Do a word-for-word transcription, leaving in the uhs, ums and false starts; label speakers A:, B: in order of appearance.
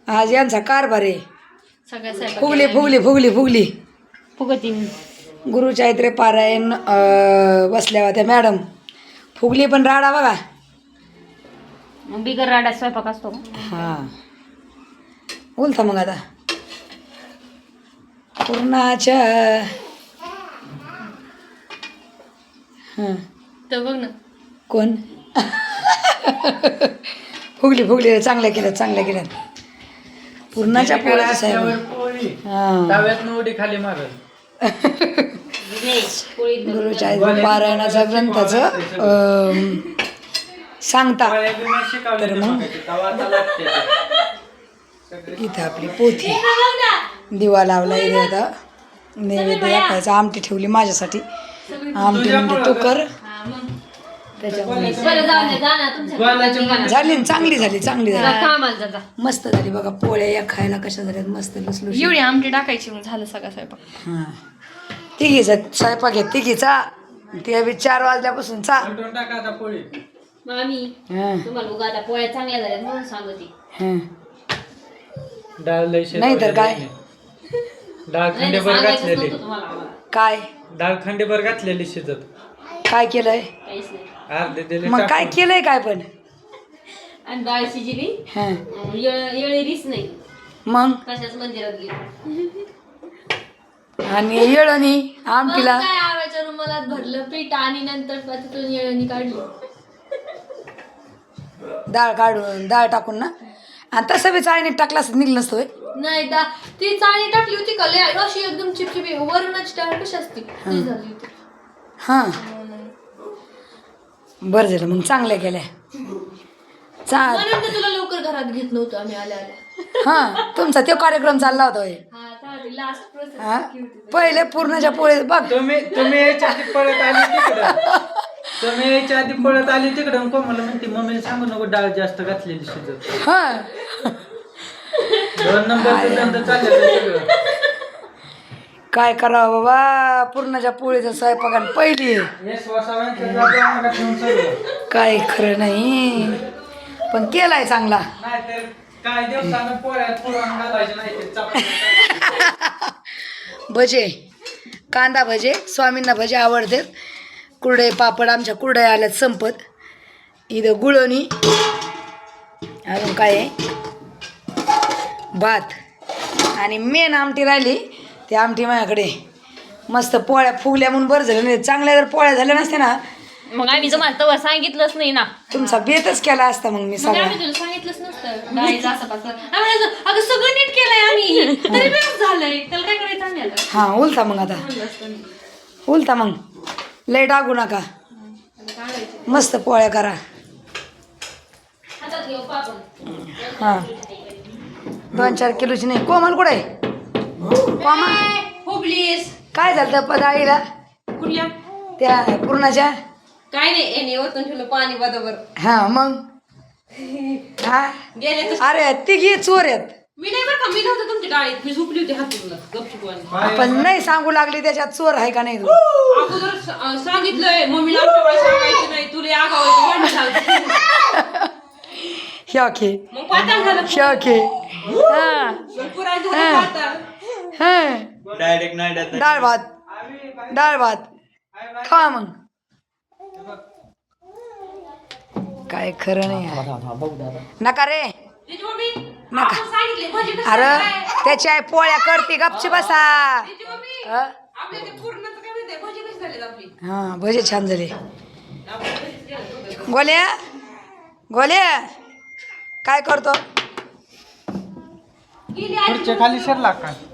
A: आज यांचा कारभार आहे.
B: सगळ्या स्वयंपाक
A: फुगली फुगली फुगली फुगली
B: फुगती
A: गुरुचैत्रे पारायण अं, बसल्या होत्या मॅडम. फुगली पण राडा बघा.
B: मग बिगर राडा स्वयंपाक असतो का?
A: हां बोलता मग आता पूर्णाच्या हां
B: तर बघ ना
A: कोण फुगली फुगली चांगल्या केल्यात चांगल्या केल्यात पूर्णाच्या पोळ्याचं साहेब. हां
C: तव्यात उडी खाली मारल.
A: गुरुचरित्र पारायणाचा ग्रंथाचं अं, सांगता. तर मग इथं आपली पोथी दिवा लावला इथे आता नैवेद्य दाखवायचा. आमटी ठेवली माझ्यासाठी. आमटी म्हणजे तू कर त्याच्यामुळे झाली ना, चांगली झाली चांगली झाली मस्त झाली बघा. पोळ्या या खायला कशा झाल्यात मस्त लसलुस.
B: एवढी आमटी टाकायची मग झालं सगळा स्वयंपाक.
A: हां तिघीचा स्वयंपाक आहे तिघीचा. ते बी चार वाजल्यापासून चा
B: मामी
A: हां
B: तुम्हाला उगा आता पोळ्या चांगल्या झाल्या म्हणून सांगते.
A: हां
C: डाळ लय
A: नाही तर काय
C: डाळ खंडेभर घातलेली.
A: काय
C: डाळ खंडेभर घातलेली शिजत.
A: काय केलंय
B: काहीच नाही.
C: अर्धे दिले
A: मग काय केलंय काय पण.
B: आणि डाळ शिजली
A: हां
B: येळीच नाही
A: मग
B: कशाच मंदिरात गेली.
A: आणि येळणी आमटीला
B: काय आव्याच्या रुमालात भरलं पीठ आणि नंतर तिथून येळणी काढली.
A: डाळ काढून डाळ टाकून ना. आणि तसं बी चाळणीत टाकला असं निघलं नसतं होय.
B: नाही दा ती चाळणी टाकली होती का लय अशी एकदम चिपचिपी वरूनच डाळ कशी असते ती झाली होती.
A: हां बरं झालं मग चांगल्या केल्या. चा
B: म्हणून तर तुला लवकर घरात घेत नव्हतं आम्ही आल्या आल्या.
A: हां तुमचा तो कार्यक्रम चालला होता होय.
B: हा चालते लास्ट प्रोसेस
A: हां पहिले पूर्णाच्या पोळी बघ.
C: तुम्ही तुम्ही यायच्या आधी पळत आली तिकडं. तुम्ही यायच्या आधी पळत आली तिकडं. कोमला म्हणते मम्मीला सांगू नको डाळ जास्त घातलेली शिजत.
A: हां
C: दोन नंबरचं धंदा चाललेलं सगळं.
A: काय करावं बाबा पूर्णाच्या पोळीचा स्वयंपाक आणि पहिली
C: हे स्वसावांचं जातं आम्हाला ठेवून सगळं.
A: काय खरं नाही पण केलाय चांगला.
C: नाहीतर काय दिवसानं पोळ्यात पुरण घालायचे नाही ते चपात्या.
A: भजे कांदा भजे स्वामींना भजे आवडतात. कुरडे पापड आमच्या कुरड्या आल्यात संपत. इथं गुळवणी अजून काय आहे भात आणि मेन आमटी राहिली. ती आमटी माझ्याकडे मस्त पोळ्या फुगल्या म्हणून बरं झालं. नाही चांगल्या जर पोळ्या झाल्या नसते ना
B: मग आम्ही तुम्हाला तवर सांगितलंच नाही ना.
A: तुमचा बेतच केला असता मग मी
B: मग
A: सगळा.
B: आम्ही तुला सांगितलंच नसतं डाळीचं असं पासं. आम्ही असं, अगं सगळं नीट केलंय आम्ही तरी बेस्ट झालंय त्याला काय करायचं आम्ही आता.
A: हां उलता मग आता उलता मग लय टाकू नका. मस्त पोळ्या करा.
B: हातात घेऊ पापड.
A: हां दोन चार किलोची नाही. कोमल कुठे आहे कोमल.
B: हो प्लीज
A: काय झालं त्या डाळीला
B: कुठल्या
A: त्या पूर्णाच्या.
B: काय नाही याने वरतून ठेवलं पाणी बरोबर
A: हां मग हा
B: गेले तर.
A: अरे तिघी चोर आहेत.
B: मी नाही बरं का मी नव्हतं तुमच्या डाळीत मी झोपली होती हातून गपचूप.
A: आपण नाही सांगू लागली त्याच्यात चोर आहे का नाही तू.
B: अगोदर सा- सांगितलंय मम्मीला आमच्या वेळेस सांगायचं नाही तुला आगावायचं.
A: ह्या खे
B: मग पातळ झालं
A: ह्या खे हां
B: मग पुरा झालं पातळ.
A: हां
C: डायरेक्ट नाही
A: डाळ भात डाळ भात खा मग. काय खरं नाही नका रे
B: तिची मम्मी
A: नका.
B: आपण सांगितले भाजी कसं
A: अरे
B: करायचं?
A: त्याची आई पोळ्या करते गपची बसा.
B: तिची मम्मी
A: हं?
B: आपल्या ते पूर्णच काय माहितीये भाजी कशी झाली आपली.
A: हां भजे छान झाले. गोल्या गोल्या काय करतो
B: गेली आजी
C: खाली सरला का